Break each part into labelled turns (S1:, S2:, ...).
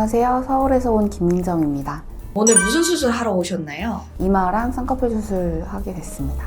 S1: 안녕하세요. 서울에서 온 김민정입니다.
S2: 오늘 무슨 수술 하러 오셨나요?
S1: 이마랑 쌍꺼풀 수술하게 됐습니다.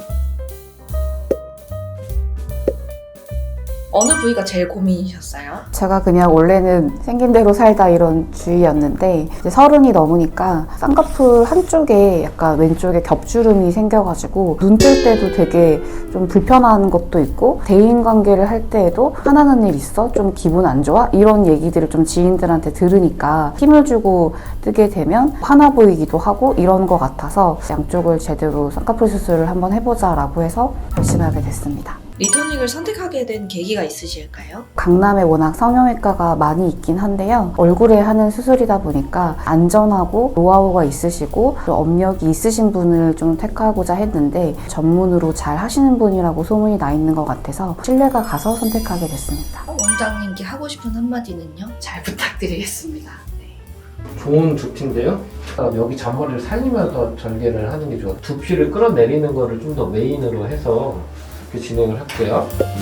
S2: 어느 부위가 제일 고민이셨어요?
S1: 제가 그냥 원래는 생긴 대로 살다 이런 주의였는데 이제 30이 넘으니까 쌍꺼풀 한쪽에 약간 왼쪽에 겹주름이 생겨가지고 눈 뜰 때도 되게 좀 불편한 것도 있고 대인관계를 할 때에도 화나는 일 있어? 좀 기분 안 좋아? 이런 얘기들을 좀 지인들한테 들으니까 힘을 주고 뜨게 되면 화나 보이기도 하고 이런 것 같아서 양쪽을 제대로 쌍꺼풀 수술을 한번 해보자 라고 해서 결심하게 됐습니다.
S2: 리토닉을 선택하게 된 계기가 있으실까요?
S1: 강남에 워낙 성형외과가 많이 있긴 한데요. 얼굴에 하는 수술이다 보니까 안전하고 노하우가 있으시고 또 업력이 있으신 분을 좀 택하고자 했는데 전문으로 잘 하시는 분이라고 소문이 나 있는 것 같아서 신뢰가 가서 선택하게 됐습니다.
S2: 원장님께 하고 싶은 한마디는요? 잘 부탁드리겠습니다.
S3: 좋은 두피인데요. 여기 잔머리를 살리면서 절개를 하는 게 좋아요. 두피를 끌어내리는 거를 좀 더 메인으로 해서 이렇게 진행을 할게요.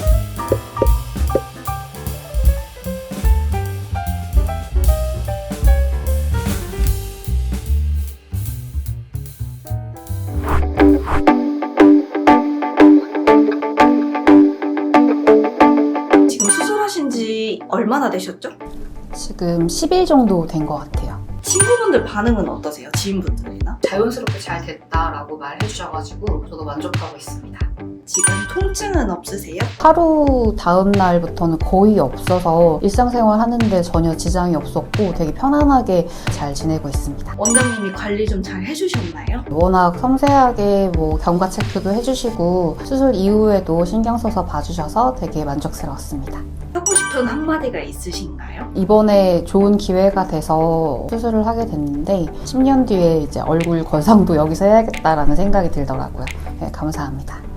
S2: 지금 수술하신 지 얼마나 되셨죠?
S1: 지금 10일 정도 된 것 같아요.
S2: 친구분들 반응은 어떠세요? 지인분들이나?
S4: 자연스럽게 잘 됐다라고 말해주셔가지고 저도 만족하고 있습니다.
S2: 지금 통증은 없으세요?
S1: 하루 다음 날부터는 거의 없어서 일상생활 하는데 전혀 지장이 없었고 되게 편안하게 잘 지내고 있습니다.
S2: 원장님이 관리 좀 잘 해주셨나요?
S1: 워낙 섬세하게 경과 체크도 해주시고 수술 이후에도 신경 써서 봐주셔서 되게 만족스러웠습니다.
S2: 하고 싶은 한마디가 있으신가요?
S1: 이번에 좋은 기회가 돼서 수술을 하게 됐는데 10년 뒤에 이제 얼굴 건상도 여기서 해야겠다라는 생각이 들더라고요. 네, 감사합니다.